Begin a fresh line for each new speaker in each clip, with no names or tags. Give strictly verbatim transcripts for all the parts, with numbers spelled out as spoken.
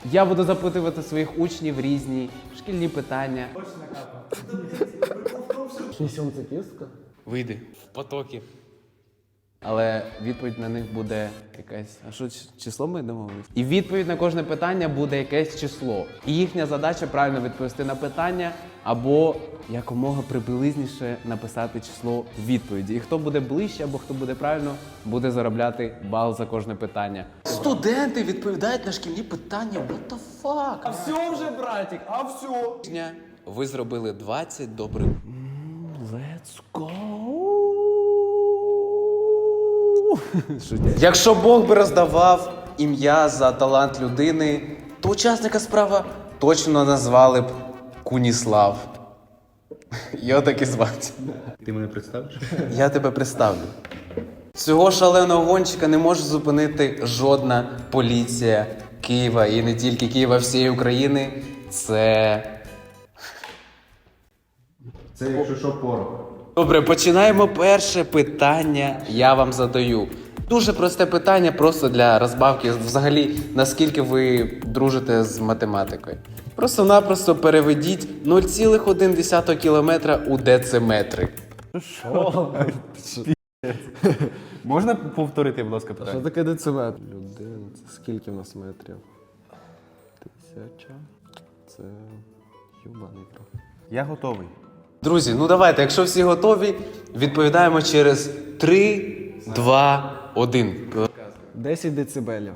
Я буду запитувати своїх учнів різні шкільні питання.
Несем кістка?
Вийди в потоки. Але відповідь на них буде якесь. А що ч- число ми домовились? І відповідь на кожне питання буде якесь число. І їхня задача правильно відповісти на питання або якомога приблизніше написати число відповіді. І хто буде ближче або хто буде правильно, буде заробляти бал за кожне питання. Студенти відповідають на шкільні питання. What the fuck?
А все вже, братик, а все.
Ви зробили двадцять добрих. Let's go. Якщо Бог би роздавав ім'я за талант людини, то учасника справи точно назвали б Куніслав. Його так і звати.
Ти мене представиш?
Я тебе представлю. Цього шаленого гонщика не може зупинити жодна поліція Києва і не тільки Києва, а всієї України. Це...
Це якщо що порох.
Добре, починаємо. Перше питання я вам задаю. Дуже просте питання, просто для розбавки. Взагалі, наскільки ви дружите з математикою. Просто-напросто переведіть нуль цілих одна десята кілометра у дециметри.
Можна повторити, будь ласка,
Що
питання?
таке дециметр? Людина, це скільки в нас метрів? Тисяча. Це юбаний трохи.
Я готовий.
Друзі, ну давайте, якщо всі готові, відповідаємо через три, два, один.
десять децибелів.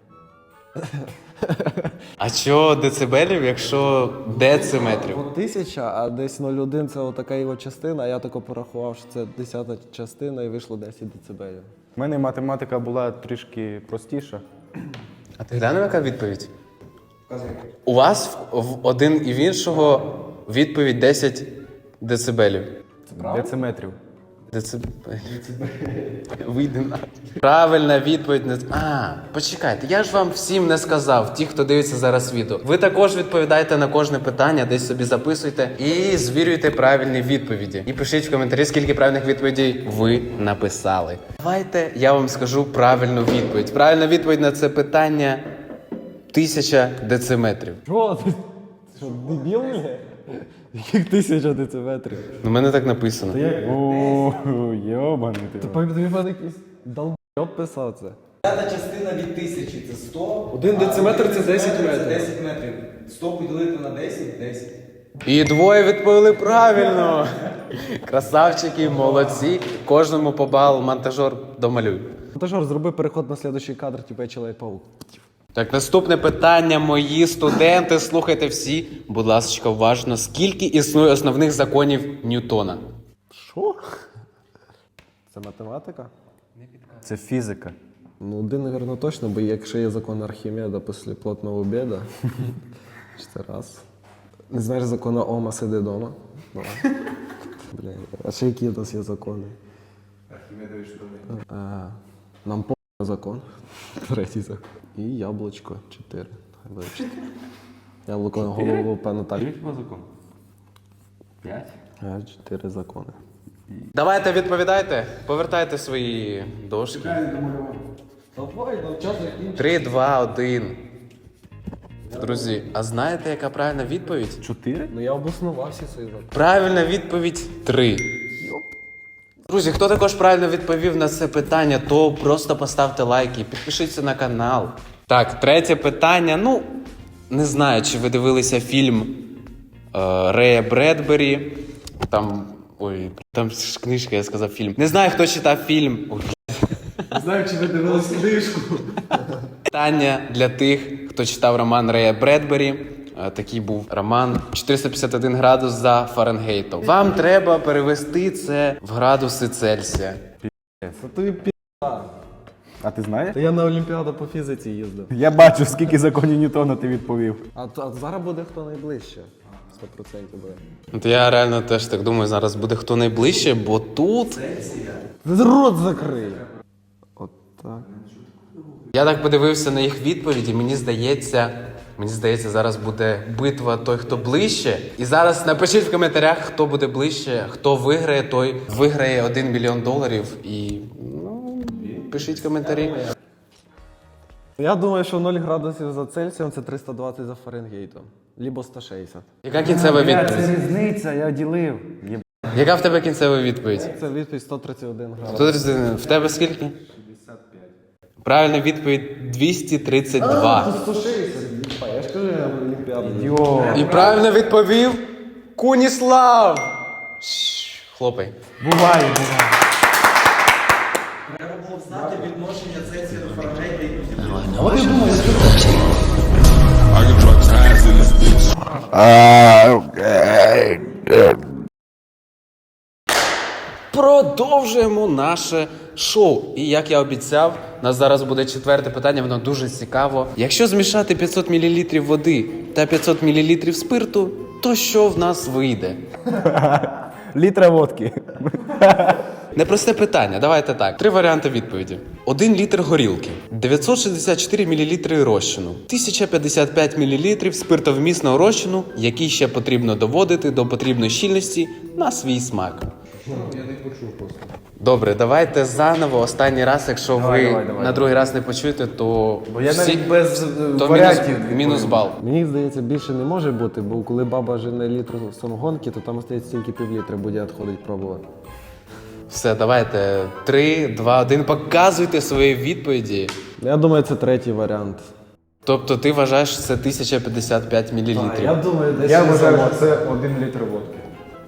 А що децибелів, якщо дециметрів?
От тисяча, а десь нуль цілих один це отака його частина, а я тако порахував, що це десята частина і вийшло десять децибелів.
У мене математика була трішки простіша.
А ти глянув, яка відповідь? У вас в, в один і в іншого відповідь десять децибелів.
Дециметрів.
Децибелів. Вийди на. Правильна відповідь не. А, почекайте, я ж вам всім не сказав, ті, хто дивиться зараз відео. Ви також відповідаєте на кожне питання, десь собі записуйте і звірюйте правильні відповіді. І пишіть в коментарі, скільки правильних відповідей ви написали. Давайте я вам скажу правильну відповідь. Правильна відповідь на це питання тисяча дециметрів.
Що? Ти що, дебіл, бля? Яких тисяча дециметрів?
У мене так написано.
О, йобаний ти.
Тобі мене якийсь долбойоб писав це.
П'ята частина від тисячі це сто.
Один дециметр це десять метрів.
Це десять метрів. сто поділити на десять, десять.
І двоє відповіли правильно. Красавчики, молодці. Кожному по бал монтажер домалюй.
Монтажер, зроби переход на слідуючий кадр, типу я Чоловік-паук.
Так, наступне питання, мої студенти. Слухайте всі, будь ласка, уважно. Скільки існує основних законів Ньютона?
Що? Це математика?
Це фізика.
Ну, один, напевно, точно, бо якщо є закон Архімеда після плотного обіду, це раз. Не знаєш закону Ома, сиди дома? Давай. Бля, а ще які у нас є закони? Архімедові штани. Нам по закон. Третій закон. І яблучко. Чотири. Хай буде чотири. Яблуко на голову, певно, так.
закон? П'ять?
А, чотири закони.
Давайте відповідайте, повертайте свої дошки.
Давай, ну час закінчити.
Три, два, один. Друзі, а знаєте, яка правильна відповідь?
Чотири?
Ну я обоснував всі свої закони.
Правильна відповідь три. Друзі, хто також правильно відповів на це питання, то просто поставте лайки, підпишіться на канал. Так, третє питання. Ну, не знаю, чи ви дивилися фільм е, Рея Бредбері. Там. Ой, там ж книжка, я сказав фільм. Не знаю, хто читав фільм. Ой.
Не знаю, чи ви дивились книжку.
Питання для тих, хто читав роман Рея Бредбері. Е, Такий був роман чотириста п'ятдесят один градус за Фаренгейтом. Вам треба перевести це в градуси Цельсія.
Це тобі пі***.
А ти знаєш?
Та я на Олімпіаду по фізиці їздив.
Я бачу, скільки законів Ньютона ти відповів.
А, а зараз буде хто найближче. сто відсотків буде.
От я реально теж так думаю, зараз буде хто найближче, бо тут...
Рот закрий. От так.
Я так подивився на їх відповіді, мені здається, мені здається, зараз буде битва той, хто ближче. І зараз напишіть в коментарях, хто буде ближче, хто виграє, той виграє один мільйон доларів. І, ну, пишіть коментарі.
Я думаю, що ноль градусів за Цельсієм це триста двадцять за Фаренгейтом. Лібо сто шістдесят.
Яка кінцева
Бля,
відповідь?
це різниця, я ділив. Є-
Яка в тебе кінцева відповідь?
Це відповідь сто тридцять один градус.
Тут в тебе скільки? шістдесят п'ять. Правильна відповідь двісті тридцять два.
сто шістдесят. Я ж кажу, я олімпіадний.
Йо.
І правильно відповів Куніслав. Шш, Хлопай.
Буває, буває.
Треба було знати відношення Цельсія до Фаренгейта і
I can drop ties in this bitch.
Продовжуємо наше шоу. І як я обіцяв, у нас зараз буде четверте питання, воно дуже цікаво. Якщо змішати п'ятсот мілілітрів води та п'ятсот мілілітрів спирту, то що в нас вийде?
Літра водки.
Непросте питання, давайте так. Три варіанти відповіді. Один літр горілки, дев'ятсот шістдесят чотири мілілітри розчину, тисяча п'ятдесят п'ять мілілітрів спиртовмісного розчину, який ще потрібно доводити до потрібної щільності на свій смак.
Я не почув просто.
Добре, давайте заново останній раз, якщо
Давай,
ви
давай, давай,
на другий раз не почуєте, то
Бо я
всі-
навіть без е,
то
варіантів
мінус,
відповім.
мінус бал.
Мені здається, більше не може бути, бо коли баба жене літр самогонки, то там остається тільки півлітра буде відходить пробувати.
Все, давайте. Три, два, один. Показуйте свої відповіді.
Я думаю, це третій варіант.
Тобто ти вважаєш, що це тисяча п'ятдесят п'ять мілілітрів.
думаю, десь
Я вважаю, що це один літр водки.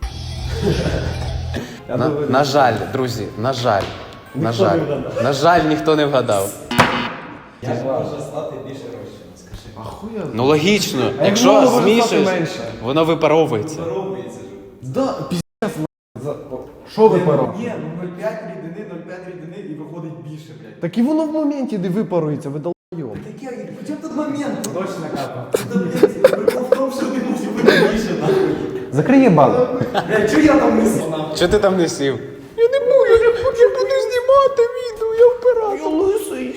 На, на жаль, друзі, на жаль. На жаль. На жаль, ніхто не вгадав.
Як можна стати більше розчину, скажи.
Ну логічно,
воно
якщо
може стати
змішуєш,
менше?
воно випаровується.
Робиться ж.
Да, піздець, за... Що ви паро?
Ні, ну нуль цілих п'ять рідини, нуль цілих п'ять рідини і виходить більше, блядь.
Так і воно в моменті не випарується, ви долбойоб.
Таке, в чому тут момент? Точно капа. Та, блядь, прикол в тому, що не може бути більше, нахуй.
Закриє бал.
Блядь, чого я там не сів, нахуй?
Чого ти там не сів? Я не буду, я, я буду знімати відео, я оператор. Я лисий.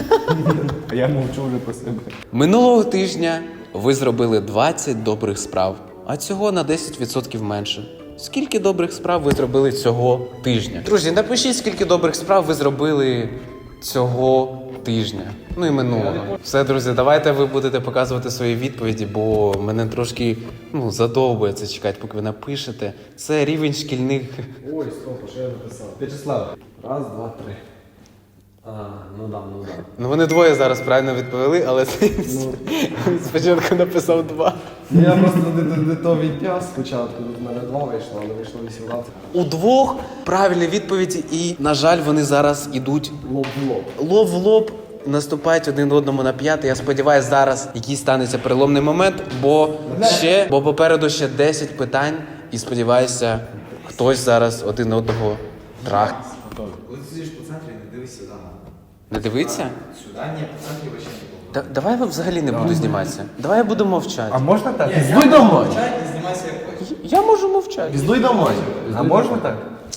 А я мовчу вже про себе.
Минулого тижня ви зробили двадцять добрих справ, а цього на десять відсотків менше. Скільки добрих справ ви зробили цього тижня? Друзі, напишіть, скільки добрих справ ви зробили цього тижня. Ну і минулого. Все, друзі, давайте ви будете показувати свої відповіді, бо мене трошки ну, задовбує це чекати, поки ви напишете. Це рівень шкільних.
Ой, стоп, а що я написав? В'ячеслав. Раз, два, три. А, ну да, ну да.
Ну вони двоє зараз правильно відповіли, але він спочатку написав два.
Я просто не, не, не то відтяг спочатку, тут в мене два вийшло, але вийшло вісімнадцять.
У двох правильні відповіді, і, на жаль, вони зараз ідуть
Лоб в лоб.
лоб в лоб, наступають один одному на п'яти. Я сподіваюся, зараз якийсь станеться переломний момент, бо ще, бо попереду ще десять питань, і сподіваюся, хтось зараз один одного трах.
Коли ти сидиш по центрі, не дивись сюди, нахуй.
Не дивиться?
Сюди, ні, по центрі вообще не було.
Да, давай я взагалі не буду зніматися. Давай я буду мовчати.
А можна так?
Піздуй домой!
Чай і знімайся як хочеш.
Я можу мовчати.
Піздуй домой!
А можна так?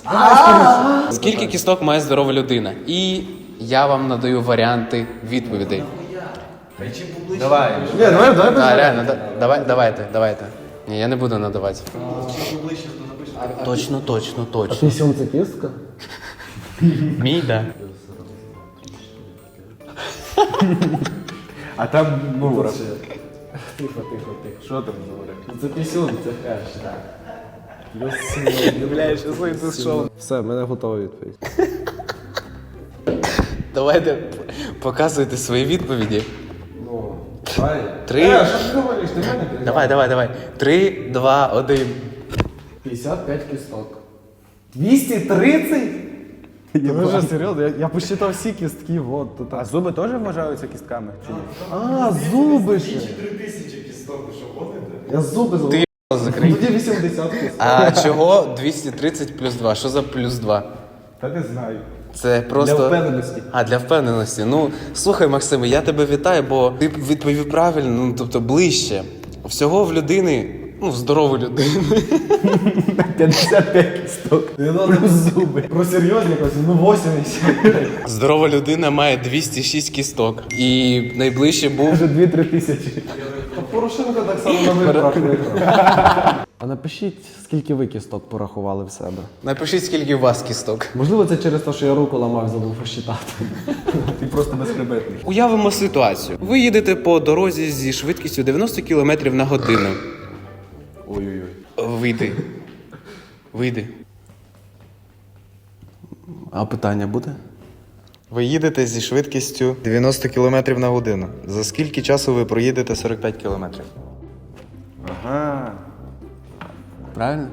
Скільки кісток має здорова людина? І я вам надаю варіанти відповідей.
Речі поближче.
Давай.
Ні, давай, давай.
Так, реально, да- давай, давайте, давайте. Ні, я не буду надавати.
Чим поближче, то напишеш.
Точно, точно, точно.
Пісюн це кістка?
Мій, да.
А там, ну,
Тихо, тихо, тихо.
що там говорять?
Це пісюн, це хеш, так. Все, в мене готова відповідь.
Давайте показуйте свої відповіді.
Ну, давай.
Три.
Е, що ти говориш? Ти мене перебиваєш.
Давай, давай, давай. Три, два, один.
п'ятдесят п'ять кісток. двісті тридцять? Ви вже серйозно? Я, я посчитав всі кістки, вот тут.
А зуби теж вважаються кістками? Чи ні?
А, зуби ще.
Три тисячі кісток, ви що гоните?
Я зуби зробив.
Ти
Ну,
закрий.
тоді вісімдесят кісток.
А чого двісті тридцять плюс два? Що за плюс два?
Та не знаю.
Це просто.
Для впевненості.
А, для впевненості. Ну, слухай, Максиме, я тебе вітаю, бо ти відповів правильно, ну тобто ближче. Всього в людини, ну, в здорової людини.
п'ятдесят п'ять кісток.
Не надо зуби. Про серйозність, ну вісімдесят.
Здорова людина має двісті шість кісток. І найближче був.
Вже дві-три тисячі.
Та Порошенко так само на виборах виграв. А напишіть, скільки ви кісток порахували в себе.
Напишіть, скільки у вас кісток.
Можливо, це через те, що я руку ламав, забув посчитати.
Ти просто безхребетний.
Уявимо ситуацію. Ви їдете по дорозі зі швидкістю дев'яносто кілометрів на годину.
Ой-ой-ой.
Вийди. Вийди. А питання буде?
Ви їдете зі швидкістю дев'яносто кілометрів на годину. За скільки часу ви проїдете сорок п'ять кілометрів?
Ага.
Правильно?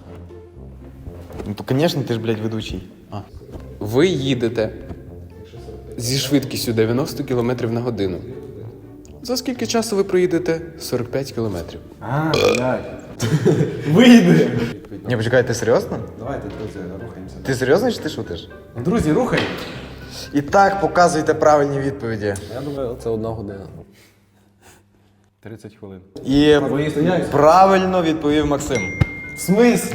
Ну то, звісно, ти ж, блядь, ведучий.
А. Ви їдете зі швидкістю дев'яносто кілометрів на годину. За скільки часу ви проїдете сорок п'ять кілометрів?
А, блядь.
Вийде!
Ні, почекай, ти серйозно?
Давайте, друзі, рухаємося.
Ти серйозно чи ти шутиш?
Друзі, рухай!
І так, показуйте правильні відповіді.
Я думаю, це одна година.
тридцять хвилин.
І
стоять?
правильно відповів Максим.
В смислі?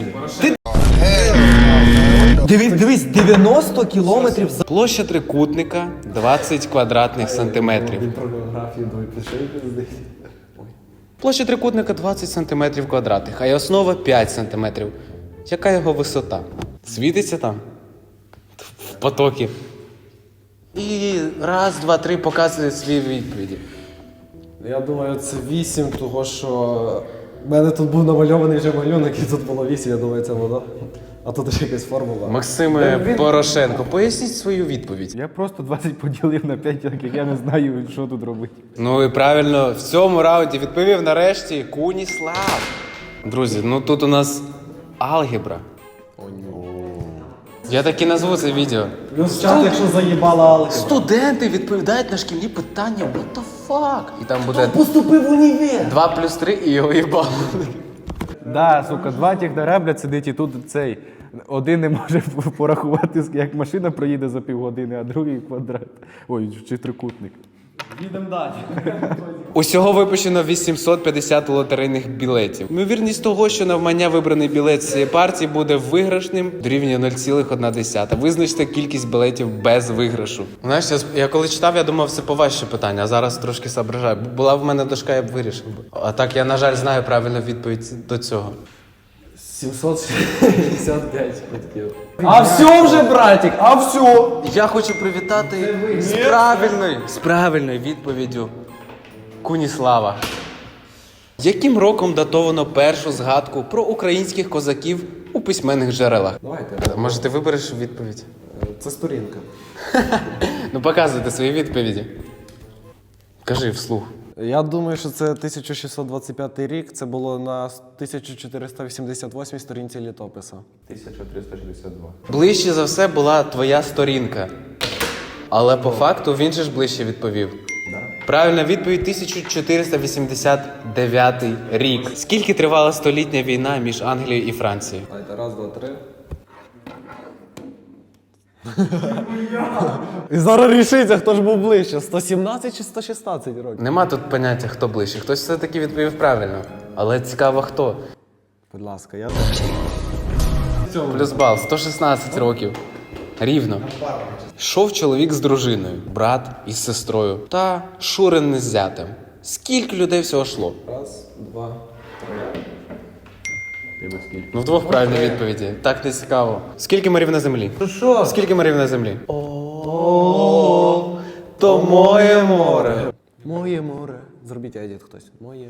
Дивись, дивись, дев'яносто кілометрів за...
Площа трикутника двадцять квадратних сантиметрів.
Він про географію до пішов пиздить.
Площа трикутника двадцять сантиметрів квадратних, а й основа п'ять сантиметрів. Яка його висота? Світиться там? В потокі. І раз, два, три показує свої відповіді.
Я думаю, це вісім, того що в мене тут був намальований вже малюнок, і тут було вісім, я думаю, це воно. А тут ще якась формула.
Максиме Порошенко, поясніть свою відповідь.
Я просто двадцять поділив на п'ять, так як я не знаю, що тут робити.
Ну і правильно, в цьому раунді відповів нарешті Куніслав. Друзі, ну тут у нас алгебра. Я так і назву це відео.
Плюс чат, якщо заїбала алгебра.
Студенти відповідають на шкільні питання, what the fuck? І там буде
Поступив в універ!
два плюс три і його їбало.
Да, сука, два технаря, блядь, сидить і тут цей. Один не може порахувати, як машина проїде за півгодини, а другий квадрат. Ой, чи трикутник.
Їдемо далі.
Усього випущено вісімсот п'ятдесят лотерейних білетів. Ймовірність того, що навмання вибраний білет з цієї партії буде виграшним, дорівнює нуль цілих одна десята. Визначте кількість білетів без виграшу. Знаєш, я, я коли читав, я думав, це поважче питання, а зараз трошки соображаю. Була в мене дошка, я б вирішив. А так я, на жаль, знаю правильну відповідь до цього.
сімсот шістдесят п'ять квитків. А все вже, братик, а все!
Я хочу привітати з правильною, з правильною відповіддю Куніслава. Яким роком датовано першу згадку про українських козаків у письменних джерелах?
Давайте.
Може, ти вибереш відповідь?
Це сторінка.
Ну, показуйте свої відповіді. Кажи вслух.
Я думаю, що це тисяча шістсот двадцять п'ятий рік, це було на тисяча чотириста вісімдесят восьмій сторінці літопису.
тисяча триста шістдесят два.
Ближче за все була твоя сторінка. Але по факту він же ж ближче відповів. Правильна відповідь тисяча чотириста вісімдесят дев'ятий рік. Скільки тривала столітня війна між Англією і Францією?
Давайте, раз, два, три. І зараз рішиться, хто ж був ближче, сто сімнадцять чи сто шістнадцять років?
Нема тут поняття, хто ближче. Хтось все-таки відповів правильно. Але цікаво, хто.
Будь ласка, я...
Плюс бал, сто шістнадцять років. Рівно. Йшов чоловік з дружиною, брат із сестрою та Шурин з зятем. Скільки людей всього йшло?
Раз, два, три.
Тебе скільки?
Ну, вдвох правильні відповіді. Так не цікаво. Скільки морів на землі?
Що?
Скільки морів на землі? О, то моє море.
Моє море. Зробіть едіт хтось. Моє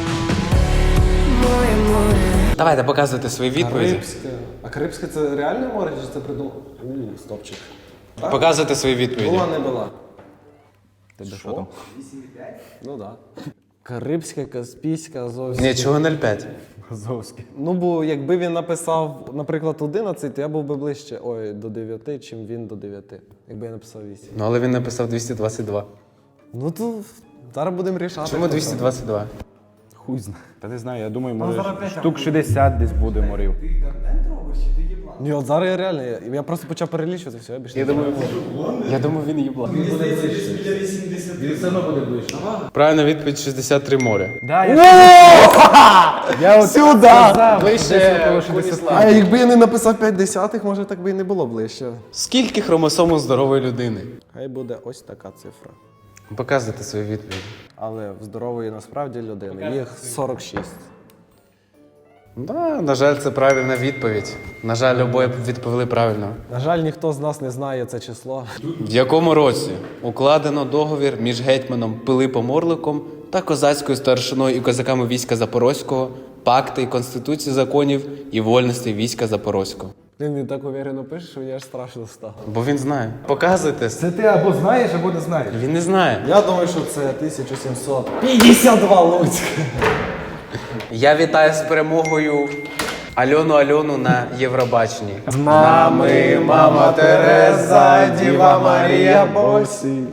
Давайте показуйте свої відповіді.
Карибське. А Карибське це реальне море, чи це придумав? У, стопчик.
Показуйте свої відповіді.
Була, не була.
Тебе що там?
Ну так. Да. Карибська, Каспійська, Азовська.
Ні, чого нуль п'ять?
Азовський.
Ну, бо якби він написав, наприклад, одинадцять, то я був би ближче ой, до дев'яти, чим він до дев'яти. Якби я написав вісім.
Ну, але він написав двісті двадцять два.
Ну то зараз будемо рішати.
Чому двісті двадцять два?
Хуй знає. Та не знаю, я думаю, може штук шістдесят десь буде морів.
Ні, от зараз я реально, я, я просто почав перелічувати, все, я більше.
Я думаю, я думаю, він їбла. Правильна відповідь шістдесят три моря.
Да, я
Я от сюди!
Ближче
А якби я не написав п'ять десятих, може так би і не було ближче.
Скільки хромосом у здорової людини?
Хай буде ось така цифра.
Показуйте свої відповіді.
Але в здорової насправді людини їх сорок шість.
Да, на жаль, це правильна відповідь. На жаль, обоє відповіли правильно.
На жаль, ніхто з нас не знає це число.
В якому році укладено договір між гетьманом Пилипом Орликом та козацькою старшиною і козаками війська Запорозького, пакти і конституції законів і вольностей війська Запорозького?
Він, він так уверено пише, що мені аж страшно стало.
Бо він знає. Показуйте.
Це ти або знаєш, або не знаєш.
Він не знає.
Я думаю, що це тисяча сімсот п'ятдесят два Луцьк.
Я вітаю з перемогою Альону Альону на Євробаченні.
З нами мама Тереза, Діва Марія, Босі.